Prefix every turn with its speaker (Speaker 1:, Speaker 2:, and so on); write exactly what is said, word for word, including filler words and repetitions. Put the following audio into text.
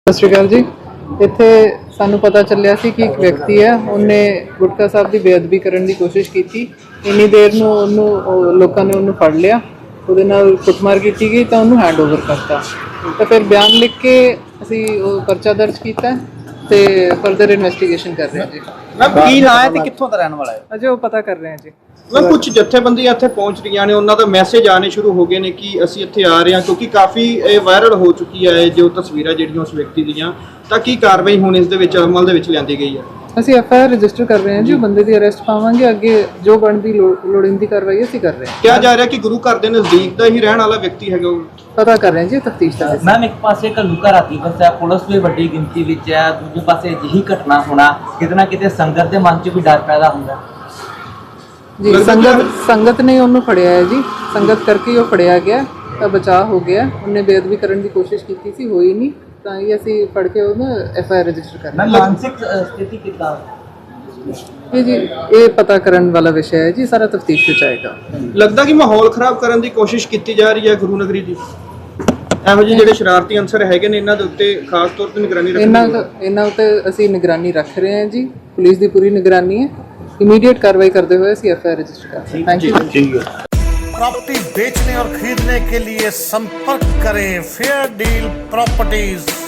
Speaker 1: ਸਤਿ ਸ਼੍ਰੀ ਅਕਾਲ ਜੀ। ਇੱਥੇ ਸਾਨੂੰ ਪਤਾ ਚੱਲਿਆ ਸੀ ਕਿ ਇੱਕ ਵਿਅਕਤੀ ਹੈ, ਉਹਨੇ ਗੁਟਕਾ ਸਾਹਿਬ ਦੀ ਬੇਅਦਬੀ ਕਰਨ ਦੀ ਕੋਸ਼ਿਸ਼ ਕੀਤੀ। ਇੰਨੀ ਦੇਰ ਨੂੰ ਉਹਨੂੰ ਲੋਕਾਂ ਨੇ ਉਹਨੂੰ ਫੜ ਲਿਆ, ਉਹਦੇ ਨਾਲ ਕੁੱਟਮਾਰ ਕੀਤੀ ਗਈ ਤਾਂ ਉਹਨੂੰ ਹੈਂਡ ਓਵਰ ਕਰਤਾ। ਤਾਂ ਫਿਰ ਬਿਆਨ ਲਿਖ ਕੇ ਅਸੀਂ ਉਹ ਪਰਚਾ ਦਰਜ ਕੀਤਾ ਤੇ ਫਰਦਰ ਇਨਵੈਸਟੀਗੇਸ਼ਨ ਕਰ ਰਹੇ ਹਾਂ ਜੀ।
Speaker 2: ਮੈਮ ਕੀ ਨਾਂ ਹੈ ਤੇ ਕਿੱਥੋਂ ਦਾ ਰਹਿਣ ਵਾਲਾ ਹੈ?
Speaker 1: ਅਜੇ ਉਹ ਪਤਾ ਕਰ ਰਹੇ ਹਾਂ ਜੀ।
Speaker 2: ਮੈਮ ਕੁਝ ਜਥੇਬੰਦੀਆਂ ਇੱਥੇ ਪਹੁੰਚ ਰਹੀਆਂ ਨੇ, ਉਹਨਾਂ ਦਾ ਮੈਸੇਜ ਆਣੇ ਸ਼ੁਰੂ ਹੋ ਗਏ ਨੇ ਕਿ ਅਸੀਂ ਇੱਥੇ ਆ ਰਹੇ ਹਾਂ, ਕਿਉਂਕਿ ਕਾਫੀ ਇਹ ਵਾਇਰਲ ਹੋ ਚੁੱਕੀ ਹੈ ਜੋ ਤਸਵੀਰਾਂ ਜਿਹੜੀਆਂ ਉਸ ਵਿਅਕਤੀ ਦੀਆਂ। ਤਾਂ ਕੀ ਕਾਰਵਾਈ ਹੁਣ ਇਸ ਦੇ ਵਿੱਚ ਅਮਲ ਦੇ ਵਿੱਚ ਲਿਆਂਦੀ ਗਈ ਹੈ?
Speaker 1: ਅਸੀਂ ਐਫ ਆਈ ਆਰ ਰਜਿਸਟਰ ਕਰ ਰਹੇ ਹਾਂ ਜੀ, ਬੰਦੇ ਦੀ ਅਰੈਸਟ ਪਾਵਾਂਗੇ। ਅੱਗੇ ਜੋ ਬਣਦੀ ਲੋੜੀਂਦੀ ਕਾਰਵਾਈ ਅਸੀਂ ਕਰ ਰਹੇ ਹਾਂ।
Speaker 2: ਕਿਹਾ ਜਾ ਰਿਹਾ ਕਿ ਗੁਰੂ ਘਰ ਦੇ ਨਜ਼ਦੀਕ ਦਾ ਹੀ ਰਹਿਣ ਵਾਲਾ ਵਿਅਕਤੀ ਹੈਗਾ ਉਹ।
Speaker 1: ਪਤਾ ਕਰ ਰਹੇ ਹਾਂ ਜੀ, ਤਫਤੀਸ਼ ਦਾ।
Speaker 3: ਮੈਮ ਇੱਕ ਪਾਸੇ ਘੱਲੂਘਾਰਾ ਰਾਤੀ ਵਸਿਆ, ਪੁਲਿਸ ਵੀ ਵੱਡੀ ਗਿਣਤੀ ਵਿੱਚ ਹੈ, ਦੂਜੇ ਪਾਸੇ ਅਜਿਹੀ ਘਟਨਾ ਹੋਣਾ ਕਿਤੇ ਨਾ ਕਿਤੇ ਸੰਗਤ ਦੇ ਮਨ 'ਚ ਵੀ ਡਰ ਪੈਦਾ ਹੁੰਦਾ
Speaker 1: ਜੀ। ਸੰਗਤ ਸੰਗਤ ਨੇ ਉਹਨੂੰ ਫੜਿਆ ਹੈ ਜੀ, ਸੰਗਤ ਕਰਕੇ ਉਹ ਫੜਿਆ ਗਿਆ ਤਾਂ ਬਚਾਅ ਹੋ ਗਿਆ। ਉਹਨੇ ਬੇਅਦਬੀ ਕਰਨ ਦੀ ਕੋਸ਼ਿਸ਼ ਕੀਤੀ ਸੀ, ਹੋਈ ਨਹੀਂ, ਤਾਂ ਹੀ ਅਸੀਂ ਫੜ ਕੇ ਉਹਨੂੰ ਐਫ ਆਈ ਆਰ ਰਜਿਸਟਰ ਕਰਨਾ।
Speaker 3: ਮਾਨਸਿਕ ਸਥਿਤੀ ਕਿੱਦਾਂ
Speaker 1: ਇਹ ਜੀ ਇਹ ਪਤਾ ਕਰਨ ਵਾਲਾ ਵਿਸ਼ਾ ਹੈ ਜੀ, ਸਾਰਾ ਤਫਤੀਸ਼ ਵਿੱਚ ਆਏਗਾ।
Speaker 2: ਲੱਗਦਾ ਕਿ ਮਾਹੌਲ ਖਰਾਬ ਕਰਨ ਦੀ ਕੋਸ਼ਿਸ਼ ਕੀਤੀ ਜਾ ਰਹੀ ਹੈ ਗੁਰੂ ਨਗਰੀ ਦੀ। ਇਹੋ ਜਿਹੇ ਜਿਹੜੇ ਸ਼ਰਾਰਤੀ ਅੰਸਰ ਹੈਗੇ ਨੇ, ਇਹਨਾਂ ਦੇ ਉੱਤੇ ਖਾਸ ਤੌਰ ਤੇ ਨਿਗਰਾਨੀ ਰੱਖਣੀ
Speaker 1: ਇਹਨਾਂ ਇਹਨਾਂ ਉੱਤੇ ਅਸੀਂ ਨਿਗਰਾਨੀ ਰੱਖ ਰਹੇ ਹਾਂ ਜੀ। ਪੁਲਿਸ ਦੀ ਪੂਰੀ ਨਿਗਰਾਨੀ ਹੈ। इमीडिएट कार्रवाई करते हुए ਅਸੀਂ एफ आई आर रजिस्टर करते हैं। Thank you.
Speaker 2: ठीक है।
Speaker 4: प्रॉपर्टी बेचने और खरीदने के लिए संपर्क करें फेयर डील प्रॉपर्टीज।